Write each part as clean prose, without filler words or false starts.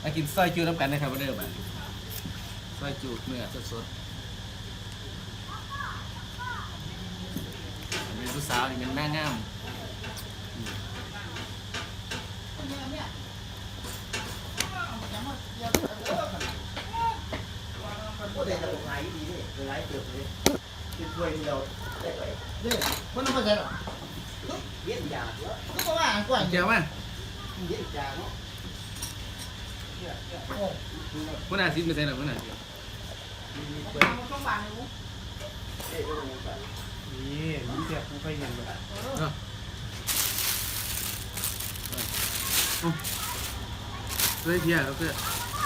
มากินซอยจูน้ำกันนะครับวันเดิมซอยจูเนื้อสดๆเป็นผู้สาวนี่เป็นแม่งามก็ได้ระบบไหลดีนี่ไหลเติบเลยคือถ้วยที่เราได้ไปเด้อมันต้องมาใส่หรอเย็นยาเยอะก็ว่าอ่านก่อนเจียวมั้ยเย็นยาเนาะคุณอาซิดไม่ใช่หรอคุณอาซิดต้องบานเลยเอ๊ะก็ต้องแบบนี่มันเสียบไม่ค่อยเห็นเลยเพื่อเที่ยวเพื่อ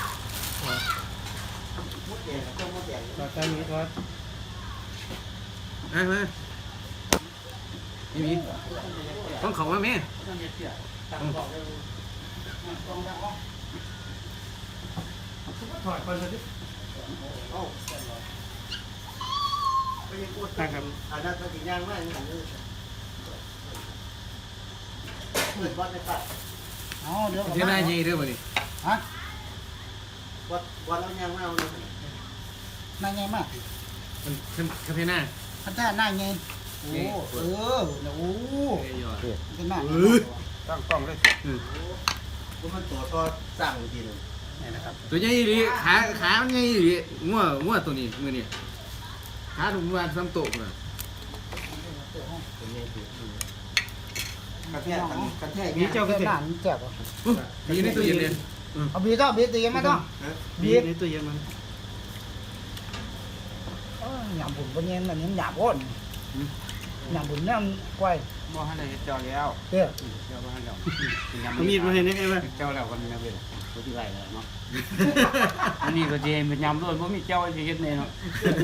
มดแดงก็มดแดงตอนตอนนี้ทอดมานี่มีต้องเขาว่าแม่ถอดก่อนสิเอ้าไปยังปวดนะครับอาณาจักรย่างมากนี่เปิดวัดในป่าอ๋อเดี๋ยวเที่ยวหน้าใหญ่เด้อบ่นี่ฮะวัดแล้วย่างมากเลยนายไงมากมันคาเฟ่หน้าพันธะนายไงโอ้โอ้เอ้ยยอดเป็นมากตั้งกล้องเลยก็มันตัวก็สั่งจริงนี่นะครับตัวใหญ่ดีขามันใหญ่ดีงัวตัวนี้มือนี่ขาถุงมือซ้ำโตกเลยกระแทกกระแทกมีเจ้าก็เป็นเจ็บหลานแจ็บอ่ะมีในตู้เย็นเลยเอาบีต้องบีตีกันไหมต้องมีในตู้เย็นมันหยาบบุญบนเย็นอันนี้หยาบก้นหยาบบุญเนี่ยกล้วยบ่ให้ได้เฮ็ดเจ้าแล้วเด้อเจ้าบ่ให้แล้วเอามีดมาให้นี่ไงวะเจ้าแล้วกันนะเว้ยบ่ที่ไรแล้วเนาะอันนี้ก็สิเป็นยำด้วยบ่มีเจ้าสิเฮ็ดแน่เนาะ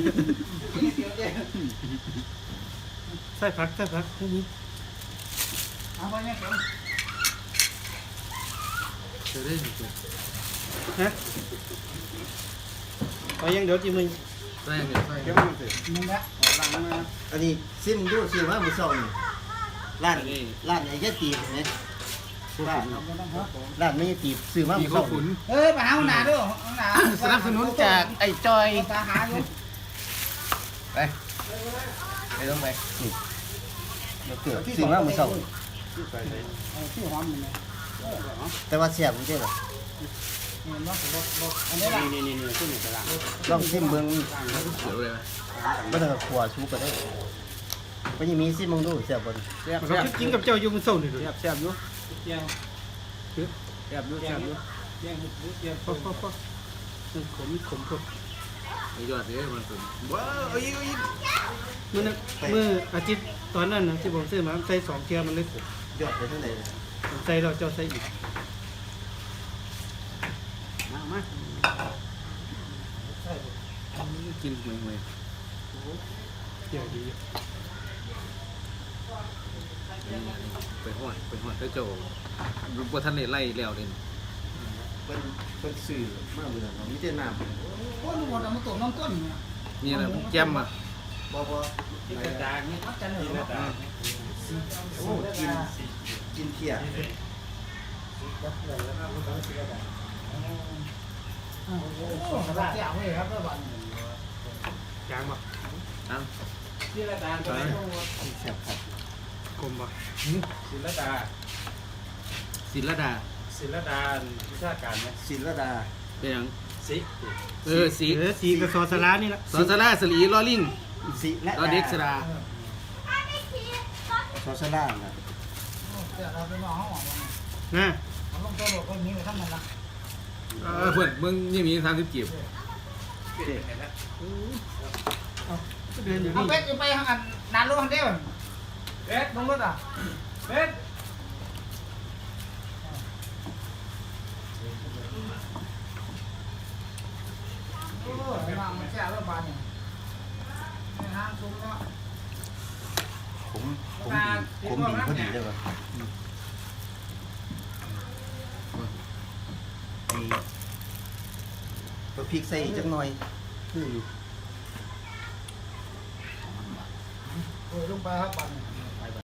ใส่ผักที่นี่เอาไปเนี่ยเจอได้ฮะเอายังเดี๋ยวจีมึงใส่เดี๋ยวใส่เดี๋ยวมันสิมึงละล้างมืออันนี้ซิมดูซิว่ามือส่งร้านไอ้แค่ตีบเนี่ยร้านไม่ตีบซื้อมามีมือข้าส่วงขุนเอ้ยมาหาหนาด้วยหนาสนับสนุนจากไอ้จอยตาหาอยู่ไปต้องไปเกิดซื้อมามือส่งชื่อหอมมันเนี่ยแต่ว่าเสียบมันใช่หรออันนี้ละนี่ขึ้นอยู่ตารางลองซิมเบิ้งเขียวเลยไม่ต้องขัวชูก็ได้ก็ยังมีซิมมึงดูเสียบบนแซ่บเขากินกับเจ้าอยู่มันเศร้าหนึ่งแซ่บแซ่บอยู่แซ่บอยู่แซ่บอยู่พอขมไอ้ยอดเลยมันสุดว้าวเอาอีกเมื่ออาทิตย์ตอนนั้นนะที่ผมซื้อมาใส่2 เทียมันเลยขมยอดไปทั้งไหนผมใส่เราเจ้าใส่อีกมากินเหมือนเดี๋ยวดีไปหอดแล้วเจ้าลูกบัวท่านเลยไล่แล้วเลยเป็นสื่อมากเลยนะมีแต่น้ำโอ้ลูกบอลเอามาตกน้องต้นเนี่ยนี่นะแก้มอ่ะบอกว่ากินกระดาษนี่มัดกันเลยโอ้กินเที่ยสบายเจ้าเว้ยครับเพื่อนจางบ่อ้าวศิลดาตัวไหนเสียบครับขมบ่ศิลดาศิลดาศิลดาวิชาการไหมศิลดาเป็นยังสิสีสีกับซอสลานี่ละสอนสลาสลีลอลิงศิและลอเด็กสลาซอสลานะเจ้าเราไปมองห้องหวังนะมันลงตัวหลบคนนี้ไปทำมันละเพื่อนมึงยังมี30กีบเดินอยู่เอานี่เป็ดไปทางอันนานรู้ทันเดียวเป็ดลงรถอ่ะเป็ดโอ้ยมันเจ้าเรื่องบานเนี่ยห้างซุ้มเนาะผมดีพอดีเลยว่ะตัวพริกใส่จังหน่อยคืออยู่โอ้ยลงไปครับบานเนี่ย